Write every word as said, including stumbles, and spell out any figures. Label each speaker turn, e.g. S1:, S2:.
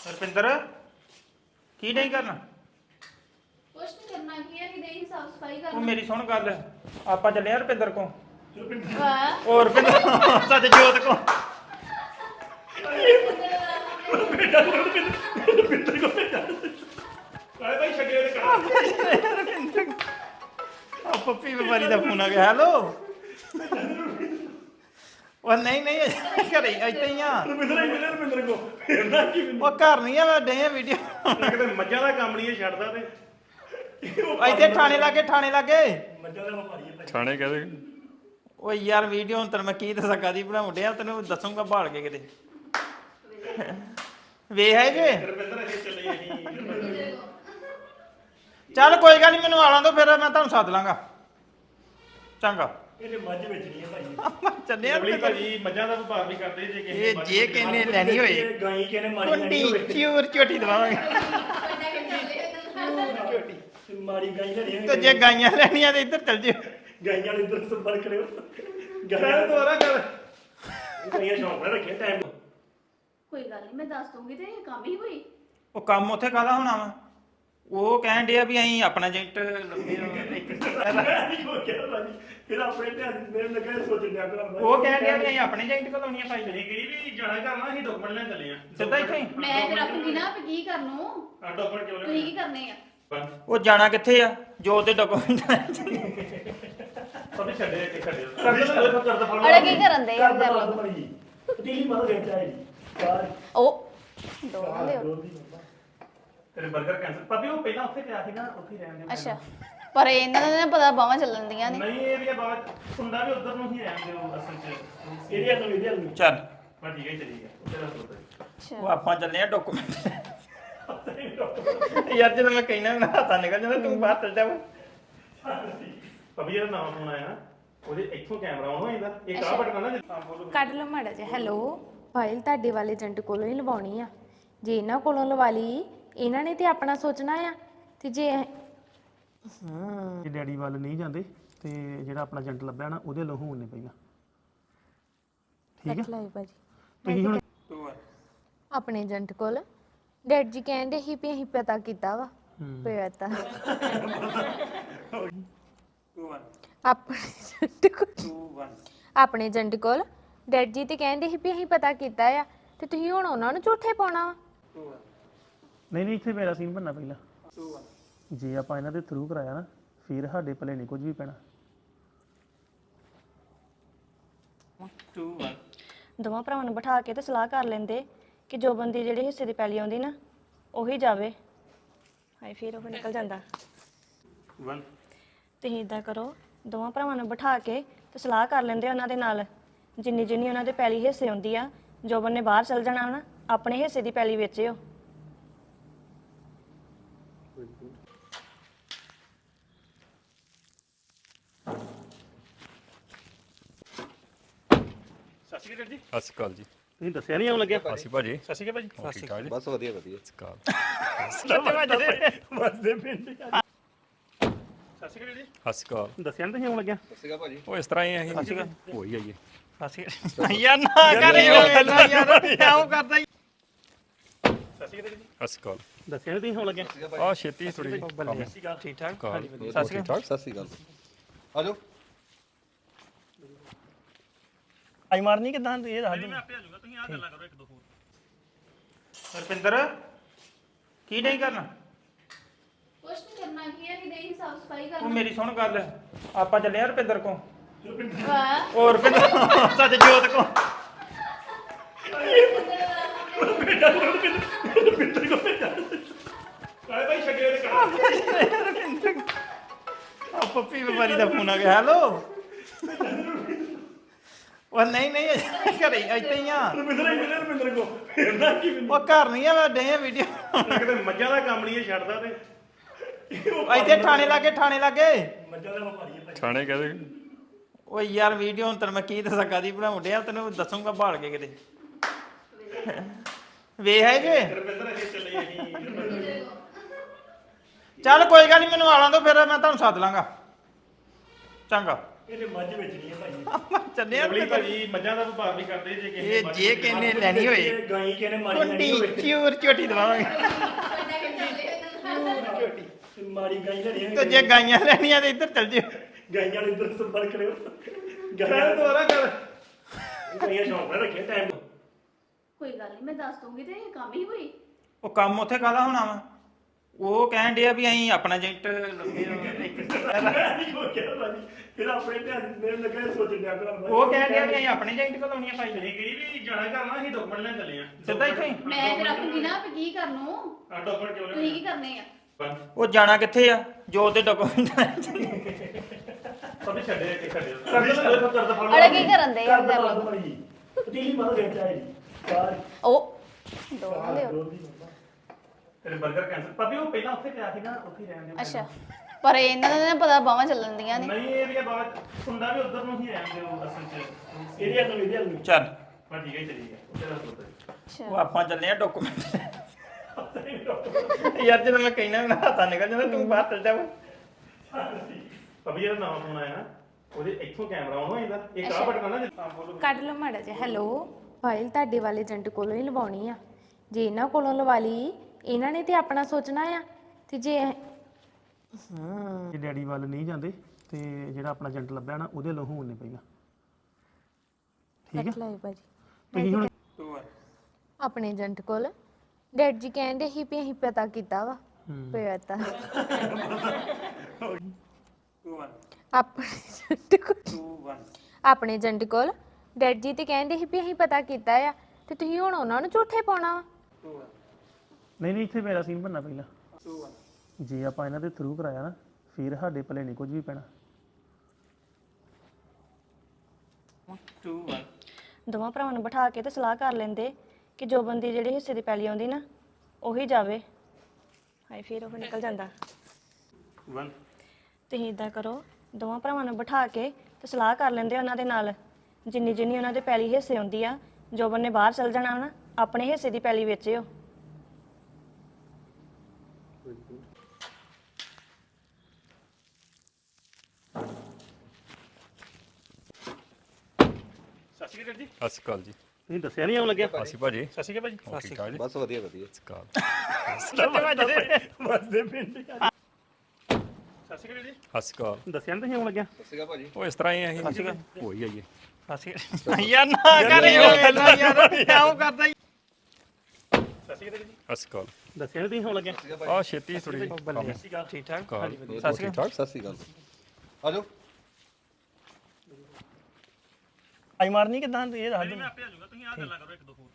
S1: ਰੁਪਿੰਦਰ ਕੀ ਨਹੀਂ ਕਰਨਾ?
S2: ਕੁਛ ਨਹੀਂ ਕਰਨਾ ਕੀ ਹੈ ਕਿ ਦੇਹੀ ਸਾਫ ਸਫਾਈ ਕਰਨਾ।
S1: ਉਹ ਮੇਰੀ ਸੁਣ ਗੱਲ, ਆਪਾਂ ਚੱਲੇ ਆ ਰੁਪਿੰਦਰ ਕੋ।
S2: ਵਾਹ
S1: ਉਹ ਰੁਪਿੰਦਰ ਸੱਚ ਜੋਤ ਕੋ।
S3: ਰੁਪਿੰਦਰ ਕੋ ਭੇਜਾ ਕਾਹ ਭਾਈ ਛੱਡੇ ਉਹਦੇ ਘਰ।
S1: ਆ ਪੱਪੀ ਬਿਮਾਰੀ ਦਾ ਫੋਨ ਆ ਗਿਆ। ਹੈਲੋ ਉਹ ਨਹੀਂ ਨਹੀਂ ਘਰੇ ਇੱਥੇ ਹੀ ਆ।
S3: ਰੁਪਿੰਦਰ ਹੀ ਮਿਲਿਆ ਰੁਪਿੰਦਰ ਕੋ ਫੇਰ ਨਾ ਕੀ ਮੈਨੂੰ
S1: ਉਹ ਘਰ ਨਹੀਂ ਆ, ਮੈਂ ਡੇ ਵੀਡੀਓ
S3: ਕਿਤੇ ਮੱਝਾਂ ਦਾ ਕੰਮ ਨਹੀਂ ਇਹ ਛੱਡਦਾ ਤੇ
S1: ਇੱਥੇ ਥਾਣੇ ਲਾਗੇ, ਥਾਣੇ ਲਾਗੇ
S3: ਮੱਝਾਂ ਦਾ ਵਪਾਰੀ ਹੈ
S4: ਥਾਣੇ ਕਹਦੇ
S1: ਓ ਯਾਰ ਵੀਡੀਓ ਹੁਣ ਤੈਨੂੰ ਮੈਂ ਕੀ ਦੱਸਾਂ ਕਾਦੀ ਬਣਾਉਣ ਡਿਆ, ਤੈਨੂੰ ਦੱਸੂਗਾ ਭਾਲ ਕੇ ਕਿਤੇ ਵੇਖ ਹੈ ਜੇ।
S3: ਰੁਪਿੰਦਰ ਅਸੀਂ ਚੱਲੇ ਅਸੀਂ
S1: ਚੱਲ ਕੋਈ ਗੱਲ ਨਹੀਂ, ਮੈਨੂੰ ਆਲਾਂ ਦੋ ਫਿਰ ਮੈਂ ਤੁਹਾਨੂੰ ਸੱਦ ਲਾਂਗਾ। ਚੰਗਾ
S3: ਇਹਨੇ ਮੱਝ ਵੇਚਣੀ ਹੈ ਭਾਈ।
S1: ਚੱਲੇ ਆ
S3: ਲਵਲੀ ਭਾਜੀ ਮੱਝਾਂ ਦਾ ਵਪਾਰ ਵੀ ਕਰਦੇ ਜੇ ਕਿਸੇ
S1: ਇਹ ਜੇ ਕਿਨੇ ਲੈਣੀ ਹੋਏ
S3: ਗਾਈ ਕਿਨੇ ਮਾਰੀ ਲੈਣੀ
S1: ਕੁੰਡੀ
S3: ਹੋਵੇ
S1: ਚੂਰ ਝੋਟੀ ਦਵਾਵਾਂਗੇ।
S3: ਝੋਟੀ ਮਾਰੀ ਗਾਈ ਲੈਣੀ ਹੋਵੇ
S1: ਤੇ ਜੇ ਗਾਈਆਂ ਲੈਣੀਆਂ ਤੇ ਇੱਧਰ ਚੱਲ ਜਿਓ।
S3: ਗਾਈਆਂ ਵਾਲੇ ਇੱਧਰ ਸੰਪਰਕ ਕਰਿਓ
S1: ਕਰ
S3: ਗਾਈਆਂ
S1: ਦੁਬਾਰਾ ਕਰ।
S3: ਗਾਈਆਂ ਸ਼ੌਂਕ ਨਾਲ ਰੱਖਿਆ ਟਾਈਮ
S2: ਕੋਈ ਗੱਲ ਨਹੀਂ ਮੈਂ ਦੱਸ ਦੂੰਗੀ ਤੇ ਇਹ ਕੰਮ ਹੀ ਹੋਈ।
S1: ਉਹ ਕੰਮ ਉੱਥੇ ਕਾਹਦਾ ਹੋਣਾ ਵਾ? ਉਹ ਕਹਿਣ ਡਿਆ ਵੀ ਅਸੀਂ ਆਪਣਾ ਏਜੰਟ ਲੱਭੇ
S3: ਹੋ ਗਿਆ ਭਾਜੀ ਫਿਰ ਆਪਣੇ ਧਿਆਨ ਮੇਰੇ ਲੱਗਾ ਸੋਚਣ ਡਿਆ ਕਰਾਂਗਾ
S1: ਉਹ ਕਹਿਣ ਡਿਆ ਵੀ ਅਸੀਂ ਆਪਣੇ ਏਜੰਟ ਕੋਲ ਲਾਉਣੀਆਂ ਭਾਈ
S3: ਨਹੀਂ ਗਈ ਵੀ ਜਾਣਾ ਕਰਨਾ ਅਸੀਂ ਡਾਕੂਮੈਂਟ ਲੈਣ ਚੱਲੇ ਆ
S1: ਸਿੱਧਾ ਇੱਥੇ ਹੀ?
S2: ਮੈਂ ਫਿਰ ਰੱਖੂੰਗੀ ਨਾ ਵੀ ਕੀ ਕਰਨੋ,
S3: ਆ ਡਾਕੂਮੈਂਟ ਕਿਉਂ
S2: ਤੁਸੀਂ ਕੀ ਕਰਨੇ ਆ।
S3: ਲੈਣੇ
S1: ਉਹ ਜਾਣਾ ਕਿੱਥੇ ਆ? ਜੋ ਤੇ ਡਾਕੂਮੈਂਟ
S3: ਸਭੇ ਛੱਡੇ ਕਿ ਛੱਡੇ ਕਰਦਾ ਕਰਦਾ ਫੜ
S2: ਅੜੇ ਕੀ ਕਰਨ ਦੇ
S3: ਕਰਦਾ ਫੜ ਜੀ ਪਤੀਲੀ ਮਾਰੋ ਦੇ ਚਾਹੀ ਚਾਰ
S2: ਉਹ ਦੋਵਾਂ ਦੇ
S3: ਤੇਰੇ 버ਗਰ ਕੈਂਸਲ ਪਾਪੀ ਉਹ ਪਹਿਲਾਂ ਉੱਥੇ ਪਿਆ ਸੀ ਨਾ ਉੱਥੇ ਰਹਿਣ ਦੇ
S2: ਅੱਛਾ, ਪਰ ਇਹਨਾਂ ਦਾ ਨਾ ਪਤਾ ਬਾਹਾਂ ਚੱਲਣ ਦੀਆਂ ਨੇ।
S3: ਨਹੀਂ ਇਹ ਵੀ ਬਾਬਾ ਸੁੰਡਾ ਵੀ ਉਧਰ ਨੂੰ ਹੀ ਆਉਂਦੇ ਉਹ ਅਸਲ ਚ ਏਰੀਆ ਤੋਂ ਇਹਦੇ ਨੂੰ
S1: ਚੱਲ
S3: ਬਾ ਠੀਕ ਹੈ ਚਲੀ ਗਿਆ ਉੱਥੇ ਦਾ ਸੋਤਾ
S2: ਅੱਛਾ
S1: ਉਹ ਆਪਾਂ ਚੱਲੇ ਆ ਡਾਕੂਮੈਂਟ। ਯਾਰ ਜਦੋਂ ਮੈਂ ਕਹਿਣਾ ਨਾ ਹੱਥਾਂ ਨਿਕਲ ਜਾਂਦਾ, ਤੂੰ ਬਾਹਰ ਚੱਲ ਜਾ।
S3: ਪਾਪੀ ਜਿਹੜਾ ਨਵਾਂ ਫੋਨ ਆਇਆ ਨਾ ਉਹਦੇ ਇੱਥੋਂ ਕੈਮਰਾ ਆਨ ਹੋ ਜਾਂਦਾ ਇਹ ਕਾਹ ਬਟਨ ਨਾ ਜਿੱਦਾਂ ਬੋਲੋ
S5: ਕੱਢ ਲਓ ਮਾੜਾ ਜਿਹਾ। ਹੈਲੋ, ਫਾਈਲ ਤੁਹਾਡੇ ਵਾਲੇ ਏਜੰਟ ਕੋਲੋਂ ਹੀ ਲਵਾਉਣੀ ਆ। ਜੇ ਇਹਨਾਂ ਕੋਲੋਂ ਲਵਾ ਲਈ, ਇਹਨਾਂ ਨੇ ਤੇ ਆਪਣਾ ਸੋਚਣਾ ਆ। ਤੇ ਜੇ
S3: ਹਾਂ ਡੈਡੀ ਵੱਲ ਨਹੀਂ ਜਾਂਦੇ ਤੇ ਜਿਹੜਾ ਆਪਣਾ ਏਜੰਟ ਲੱਭਿਆ ਨਾ ਉਹਦੇ ਲੋ ਹੋਣੇ ਪਹਿਲਾਂ ਠੀਕ
S5: ਰੱਖ ਲਾਇਓ ਭਾਜੀ
S3: ਤੁਸੀਂ ਹੁਣ
S5: ਆਪਣੇ ਏਜੰਟ ਕੋਲ। ਡੈਡ ਜੀ ਕਹਿੰਦੇ ਸੀ ਵੀ ਅਸੀਂ ਪਤਾ ਕੀਤਾ ਵਾ ਪਤਾ ਆਪਣੇ ਏਜੰਟ ਕੋਲ ਆਪਣੇ ਏਜੰਟ ਕੋਲ ਡੈਡ ਜੀ ਤੇ ਕਹਿੰਦੇ ਸੀ ਵੀ ਅਸੀਂ ਪਤਾ ਕੀਤਾ ਆ, ਤੇ ਤੁਸੀਂ ਹੁਣ ਉਹਨਾਂ ਨੂੰ ਝੂਠੇ ਪਾਉਣਾ ਵਾ।
S3: ਨਹੀਂ ਨਹੀਂ ਇੱਥੇ ਮੇਰਾ ਸੀਨ ਬਣਨਾ ਪਹਿਲਾਂ ਜੇ ਆਪਾਂ ਇਹਨਾਂ ਦੇ ਥਰੂ ਕਰਾਇਆ ਨਾ ਫਿਰ ਸਾਡੇ ਭਲੇ ਨਹੀਂ ਕੁਝ ਵੀ ਪੈਣਾ।
S6: ਦੋਵਾਂ ਭਰਾਵਾਂ ਨੂੰ ਬਿਠਾ ਕੇ ਤੇ ਸਲਾਹ ਕਰ ਲੈਂਦੇ ਕਿ ਜੋ ਬੰਦੀ ਜਿਹੜੇ ਹਿੱਸੇ ਦੀ ਪੈਲੀ ਆਉਂਦੀ ਨਾ ਉਹੀ ਜਾਵੇ। ਹਾਏ ਫਿਰ ਉਹ ਨਿਕਲ ਜਾਂਦਾ। ਤੁਸੀਂ ਇਦਾਂ ਕਰੋ, ਦੋਵਾਂ ਭਰਾਵਾਂ ਨੂੰ ਬਿਠਾ ਕੇ ਤੇ ਸਲਾਹ ਕਰ ਲੈਂਦੇ ਉਹਨਾਂ ਦੇ ਨਾਲ, ਜਿੰਨੀ ਜਿੰਨੀ ਉਹਨਾਂ ਦੇ ਪੈਲੀ ਹਿੱਸੇ ਆਉਂਦੀ ਆ, ਜੋ ਬੰਨੇ ਬਾਹਰ ਚਲ ਜਾਣਾ ਨਾ ਆਪਣੇ ਹਿੱਸੇ ਦੀ ਪੈਲੀ ਵੇਚਿਓ।
S3: ਸਤਿ ਸ਼੍ਰੀ ਅਕਾਲ ਜੀ।
S4: ਸਤਿ ਸ਼੍ਰੀ ਅਕਾਲ ਜੀ।
S3: ਤੁਸੀਂ ਦੱਸਿਆ ਨਹੀਂ ਆਉਣ ਲੱਗਿਆ
S4: ਸਤਿ ਸ਼੍ਰੀ ਭਾਜੀ।
S3: ਸਤਿ ਸ਼੍ਰੀ ਅਕਾਲ ਭਾਜੀ
S4: ਠੀਕ ਠਾਕ ਜੀ।
S7: ਬਸ ਵਧੀਆ ਵਧੀਆ।
S4: ਸਤਿ ਸ਼੍ਰੀ ਅਕਾਲ।
S3: ਵਸਦੇ ਪਿੰਡ ਸਤਿ ਸ਼੍ਰੀ ਅਕਾਲ ਜੀ।
S4: ਸਤਿ ਸ਼੍ਰੀ ਅਕਾਲ।
S3: ਦੱਸਿਆ ਨਹੀਂ ਤੁਸੀਂ ਆਉਣ ਲੱਗਿਆ
S7: ਸੀਗਾ ਭਾਜੀ।
S4: ਉਹ ਇਸ ਤਰ੍ਹਾਂ ਹੀ ਅਸੀਂ ਹੋ ਹੀ ਆਈਏ।
S1: ਯਾਰ ਨਾ ਕਰ ਯਾਰ ਯਾਰ ਕਿਉਂ ਕਰਦਾ ਈ?
S3: ਸਤਿ ਸ਼੍ਰੀ ਅਕਾਲ ਜੀ।
S4: ਸਤਿ ਸ਼੍ਰੀ ਅਕਾਲ।
S3: ਦੱਸਿਆ ਨਹੀਂ ਤੁਸੀਂ ਆਉਣ ਲੱਗਿਆ
S4: ਆ ਛੇਤੀ ਥੋੜੀ
S1: ਠੀਕ ਠਾਕ
S4: ਕਾਲ
S1: ਸਤਿ ਸ਼੍ਰੀ ਅਕਾਲ।
S7: ਸਤਿ ਸ਼੍ਰੀ ਅਕਾਲ। ਆ ਜਾਓ।
S3: ਆਈ ਮਾਰਨੀ ਕਿਦਾਂ ਇਹ ਦੱਸ ਦਿਓ। ਮੈਂ ਆਪੇ ਆ ਜਾਊਗਾ, ਤੁਸੀਂ ਆ ਗੱਲਾਂ ਕਰੋ ਇੱਕ ਦੋ ਹੋਰ।
S1: ਰੁਪਿੰਦਰ ਕੀ ਨਹੀਂ ਕਰਨਾ?
S2: ਕੁਛ ਨਹੀਂ ਕਰਨਾ ਕੀ ਹੈ ਕਿ ਦੇਹੀ ਸਾਫ ਸਫਾਈ
S1: ਉਹ
S2: ਕਰਨਾ।
S1: ਮੇਰੀ ਸੁਣ ਗੱਲ, ਆਪਾਂ ਚੱਲੇ ਆ ਰੁਪਿੰਦਰ ਕੋ।
S2: ਵਾਹ
S1: ਉਹ ਰੁਪਿੰਦਰ ਸੱਚ ਜੋਤ ਕੋ।
S3: ਰੁਪਿੰਦਰ ਕੋ ਭੇਜਾ ਕਾਹ ਭਾਈ ਛੱਡੇ ਉਹਦੇ ਘਰ।
S1: ਆ ਪੱਪੀ ਬਿਮਾਰੀ ਦਾ ਫੋਨ ਆ ਗਿਆ। ਹੈਲੋ ਉਹ ਨਹੀਂ ਨਹੀਂ ਘਰੇ ਇੱਥੇ ਹੀ ਆ।
S3: ਰੁਪਿੰਦਰ ਹੀ ਮਿਲਿਆ ਰੁਪਿੰਦਰ ਕੋ ਫੇਰ ਨਾ ਕੀ ਮੈਨੂੰ
S1: ਉਹ ਘਰ ਨਹੀਂ ਆ, ਮੈਂ ਡੇ ਵੀਡੀਓ
S3: ਕਿਤੇ ਮੱਝਾਂ ਦਾ ਕੰਮ ਨਹੀਂ ਇਹ ਛੱਡਦਾ ਤੇ
S1: ਇੱਥੇ ਥਾਣੇ ਲਾਗੇ, ਥਾਣੇ ਲਾਗੇ
S3: ਮੱਝਾਂ ਦਾ ਵਪਾਰੀ ਹੈ
S4: ਥਾਣੇ ਕਹਦੇ
S1: ਓ ਯਾਰ ਵੀਡੀਓ ਹੁਣ ਤੈਨੂੰ ਮੈਂ ਕੀ ਦੱਸਾਂ ਕਾਦੀ ਬਣਾਉਣ ਡਿਆ, ਤੈਨੂੰ ਦੱਸੂਗਾ ਭਾਲ ਕੇ ਕਿਤੇ ਵੇਖ ਹੈ ਜੇ।
S3: ਰੁਪਿੰਦਰ ਅਸੀਂ ਚੱਲੇ ਅਸੀਂ
S1: ਚੱਲ ਕੋਈ ਗੱਲ ਨਹੀਂ, ਮੈਨੂੰ ਆਲਾਂ ਦੋ ਫਿਰ ਮੈਂ ਤੁਹਾਨੂੰ ਸੱਦ ਲਾਂਗਾ। ਚੰਗਾ।
S3: ਇਹਦੇ ਮੱਝ ਵੇਚਣੀ ਹੈ ਭਾਈ
S1: ਚੱਲੇ ਆ
S3: ਅਗਲੀ ਭਾਜੀ ਮੱਝਾਂ ਦਾ ਵਪਾਰ ਵੀ ਕਰਦੇ ਜੇ ਕਿਸੇ
S1: ਇਹ ਜੇ ਕਿਨੇ ਲੈਣੀ ਹੋਏ
S3: ਗਾਈ ਕਿਨੇ ਮਾਰੀ ਲੈਣੀ ਹੋਵੇ
S1: ਕੁੰਡੀ ਚੂਰ ਝੋਟੀ ਦਵਾਵਾਂਗੇ
S3: ਮਾਰੀ ਗਾਈ ਲੈਣੀ
S1: ਤੇ ਜੇ ਗਾਈਆਂ ਲੈਣੀਆਂ ਤੇ ਇੱਧਰ ਚੱਲ ਜਿਓ
S3: ਗਾਈਆਂ ਨੂੰ ਇੱਧਰ ਸੰਪਰਕ ਕਰਿਓ ਗਾਈਆਂ ਦੁਬਾਰਾ ਕਰ ਗਾਈਆਂ ਸ਼ੌਂਕ ਨਾਲ ਰੱਖਿਆ ਟਾਈਮ
S2: ਕੋਈ ਗੱਲ ਨਹੀਂ ਮੈਂ ਦੱਸ ਦੂੰਗੀ ਤੇ ਇਹ ਕੰਮ ਹੀ ਹੋਈ
S1: ਉਹ ਕੰਮ ਉੱਥੇ ਕਾਹਦਾ ਹੋਣਾ ਵਾ ਉਹ ਕਹਿਣ ਡਿਆ ਵੀ ਅਸੀਂ ਆਪਣਾ ਏਜੰਟ ਲੱਗੇ
S3: ਹੋ ਗਿਆ ਭਾਜੀ ਫਿਰ ਆਪਣੇ ਧਿਆਨ ਮੇਰੇ ਲੱਗਾ ਸੋਚਣ ਡਿਆ ਕਰਾਂ
S1: ਉਹ ਕਹਿਣ ਡਿਆ ਵੀ ਅਸੀਂ ਆਪਣੇ ਏਜੰਟ ਕੋਲ ਆਉਣੀਆਂ ਭਾਈ
S3: ਨਹੀਂ ਗਈ ਵੀ ਜਾਣਾ ਕਰਨਾ ਅਸੀਂ ਡਾਕੂਮੈਂਟ ਲੈਣ ਚੱਲੇ ਆ
S1: ਸਿੱਧਾ ਇੱਥੇ ਹੀ
S2: ਮੈਂ ਤੇ ਰੱਖੂਗੀ ਨਾ ਵੀ ਕੀ ਕਰਨੂ
S3: ਆ ਡਾਕੂਮੈਂਟ ਕਿਉਂ
S2: ਤੁਸੀਂ ਕੀ ਕਰਨੇ ਆ
S1: ਉਹ ਜਾਣਾ ਕਿੱਥੇ ਆ ਜੋ ਉਹਦੇ ਡਾਕੂਮੈਂਟ
S3: ਸਭ ਛੱਡੇ ਕਿ ਛੱਡੇ ਕਰ ਕਰ ਦਾ
S2: ਅੜੇ ਕੀ ਕਰਨ ਦੇ
S3: ਕਰ ਦਾ ਭਾਜੀ ਪਤੀਲੀ ਮਾਰੋ ਦੇ ਚਾਹੀ ਯਾਰ
S2: ਉਹ ਦੋ ਲਿਓ
S3: ਤੇਰੇ 버ਗਰ ਕੈਂਸਲ ਪਾਪੀ ਉਹ ਪਹਿਲਾਂ ਉੱਥੇ ਪਿਆ ਸੀ ਨਾ ਉੱਥੇ ਹੀ ਰਹਿਣ ਦੇ
S2: ਅੱਛਾ ਪਰ ਇਹਨਾਂ ਦਾ ਨਾ ਪਤਾ ਬਾਹਾਂ ਚੱਲਣ ਦੀਆਂ ਨੇ
S3: ਨਹੀਂ ਇਹ ਵੀ ਬਾਤ ਸੁਣਦਾ ਵੀ ਉਧਰ ਨੂੰ ਹੀ ਰਹਿਣ ਦੇ ਉਹ ਅਸਲ ਚ ਇਹਦੇ ਹੱਥ ਨੂੰ ਇਹਦੇ ਹੱਥ ਨੂੰ
S1: ਚੱਲ
S3: ਹਾਂ ਠੀਕ ਹੈ ਚਲੀ ਗਿਆ ਉੱਥੇ ਦਾ ਸੋਤਾ
S2: ਅੱਛਾ
S1: ਉਹ ਆਪਾਂ ਚੱਲੇ ਆ ਡਾਕੂਮੈਂਟ ਯਾਰ ਜਦੋਂ ਮੈਂ ਕਹਿਣਾ ਨਾ ਹੱਥਾਂ ਨਿਕਲ ਜਾਂਦਾ ਤੂੰ ਬਾਹਰ ਚੱਲ ਜਾ
S3: ਪਾਪੀ ਜਿਹੜਾ ਨਵਾਂ ਫੋਨ ਆਇਆ ਨਾ ਉਹਦੇ ਇੱਥੋਂ ਕੈਮਰਾ ਆਨ ਹੋ ਜਾਂਦਾ ਇੱਕ ਆ ਬਟਨ ਨਾ ਜਿੱਦਾਂ ਬੋਲੋ
S5: ਕੱਢ ਲਓ ਮਾੜਾ ਜਿਹਾ ਹੈਲੋ ਫਾਈਲ ਤੁਹਾਡੇ ਵਾਲੇ ਏਜੰਟ ਕੋਲੋਂ ਹੀ ਲਵਾਉਣੀ ਆ ਜੇ ਇਹਨਾਂ ਕੋਲੋਂ ਲਵਾ ਲਈ ਇਹਨਾਂ ਨੇ ਤੇ ਆਪਣਾ ਸੋਚਣਾ ਆ ਤੇ ਜੇ ਹਾਂ ਜੇ ਡੈਡੀ ਵੱਲ ਨਹੀਂ ਜਾਂਦੇ ਤੇ ਜਿਹੜਾ ਆਪਣਾ ਏਜੰਟ ਲੱਭਿਆ ਨਾ ਉਹਦੇ ਲਹੂ ਹੋਣੇ ਪਈਆ ਠੀਕ ਹੈ ਭਾਜੀ ਤੁਸੀਂ ਹੁਣ ਆਪਣੇ ਏਜੰਟ ਕੋਲ ਡੈਡ ਜੀ ਕਹਿੰਦੇ ਸੀ ਵੀ ਅਸੀਂ ਪਤਾ ਕੀਤਾ ਵਾ ਪਤਾ ਆਪਣੇ ਏਜੰਟ ਕੋਲ ਆਪਣੇ ਏਜੰਟ ਕੋਲ ਡੈਡ ਜੀ ਤੇ ਕਹਿੰਦੇ ਸੀ ਵੀ ਅਸੀਂ ਪਤਾ ਕੀਤਾ ਆ ਤੇ ਤੁਸੀਂ ਹੁਣ ਉਹਨਾਂ ਨੂੰ ਝੂਠੇ ਪਾਉਣਾ ਵਾ ਨਹੀਂ ਨਹੀਂ ਇੱਥੇ ਮੇਰਾ ਸੀਨ ਬਣਨਾ ਪਹਿਲਾਂ ਜੇ ਆਪਾਂ ਇਹਨਾਂ ਦੇ ਥਰੂ ਕਰਾਇਆ ਨਾ ਫਿਰ ਸਾਡੇ ਭਲੇ ਨਹੀਂ ਕੁਝ ਵੀ ਪੈਣਾ
S6: ਦੋਵਾਂ ਭਰਾਵਾਂ ਨੂੰ ਬਿਠਾ ਕੇ ਤੇ ਸਲਾਹ ਕਰ ਲੈਂਦੇ ਕਿ ਜੋ ਬੰਦੀ ਜਿਹੜੇ ਹਿੱਸੇ ਦੀ ਪੈਲੀ ਆਉਂਦੀ ਨਾ ਉਹੀ ਜਾਵੇ ਹਾਏ ਫਿਰ ਉਹ ਨਿਕਲ ਜਾਂਦਾ ਤੁਸੀਂ ਇਦਾਂ ਕਰੋ ਦੋਵਾਂ ਭਰਾਵਾਂ ਨੂੰ ਬਿਠਾ ਕੇ ਤੇ ਸਲਾਹ ਕਰ ਲੈਂਦੇ ਉਹਨਾਂ ਦੇ ਨਾਲ ਜਿੰਨੀ ਜਿੰਨੀ ਉਹਨਾਂ ਦੇ ਪੈਲੀ ਹਿੱਸੇ ਹੁੰਦੀ ਆ ਜੋ ਬੰਨੇ ਬਾਹਰ ਚਲ ਜਾਣਾ ਨਾ ਆਪਣੇ ਹਿੱਸੇ ਦੀ ਪੈਲੀ ਵੇਚਿਓ
S3: ਸਤਿ ਸ਼੍ਰੀ ਅਕਾਲ ਜੀ
S4: ਸਤਿ ਸ਼੍ਰੀ ਅਕਾਲ ਜੀ
S3: ਤੁਸੀਂ ਦੱਸਿਆ ਨਹੀਂ ਆਉਣ ਲੱਗਿਆ
S4: ਸਤਿ ਸ਼੍ਰੀ ਭਾਜੀ
S3: ਸਤਿ ਸ਼੍ਰੀ ਅਕਾਲ ਭਾਜੀ
S4: ਹੋਰ ਠੀਕ ਠਾਕ ਜੀ
S7: ਬਸ ਵਧੀਆ ਵਧੀਆ
S4: ਸਤਿ ਸ਼੍ਰੀ ਅਕਾਲ
S3: ਵਸਦੇ ਪਿੰਡ ਸਤਿ ਸ਼੍ਰੀ ਅਕਾਲ ਜੀ
S4: ਸਤਿ ਸ਼੍ਰੀ ਅਕਾਲ
S3: ਦੱਸਿਆ ਨਹੀਂ ਤੁਸੀਂ ਆਉਣ ਲੱਗਿਆ
S7: ਸਤਿ ਸ਼੍ਰੀ ਅਕਾਲ ਭਾਜੀ
S4: ਉਹ ਇਸ ਤਰ੍ਹਾਂ ਹੀ ਅਸੀਂ ਹੋ ਹੀ ਆਈਏ
S1: ਯਾਰ ਨਾ ਕਰੇ ਯਾਰ ਕਿਉਂ ਕਰਦਾ
S3: ਸਤਿ ਸ਼੍ਰੀ ਅਕਾਲ ਜੀ
S4: ਸਤਿ ਸ਼੍ਰੀ ਅਕਾਲ
S3: ਦੱਸਿਆ ਨਹੀਂ ਤੁਸੀਂ ਆਉਣ ਲੱਗਿਆ
S4: ਆ ਛੇਤੀ ਥੋੜੀ ਜਿਹੀ ਕੰਮ
S1: ਠੀਕ ਠਾਕ
S4: ਕਾਲ
S7: ਸਤਿ ਸ਼੍ਰੀ ਅਕਾਲ ਸਤਿ ਸ਼੍ਰੀ ਅਕਾਲ ਆ ਜਾਓ
S3: ਆਈ ਮਾਰਨੀ ਕਿਦਾਂ ਇਹ ਦੱਸ ਦਿਓ ਮੈਂ ਆਪੇ ਆ ਜਾਊਗਾ ਤੁਸੀਂ ਆ ਗੱਲਾਂ ਕਰੋ ਇੱਕ ਦੋ ਹੋਰ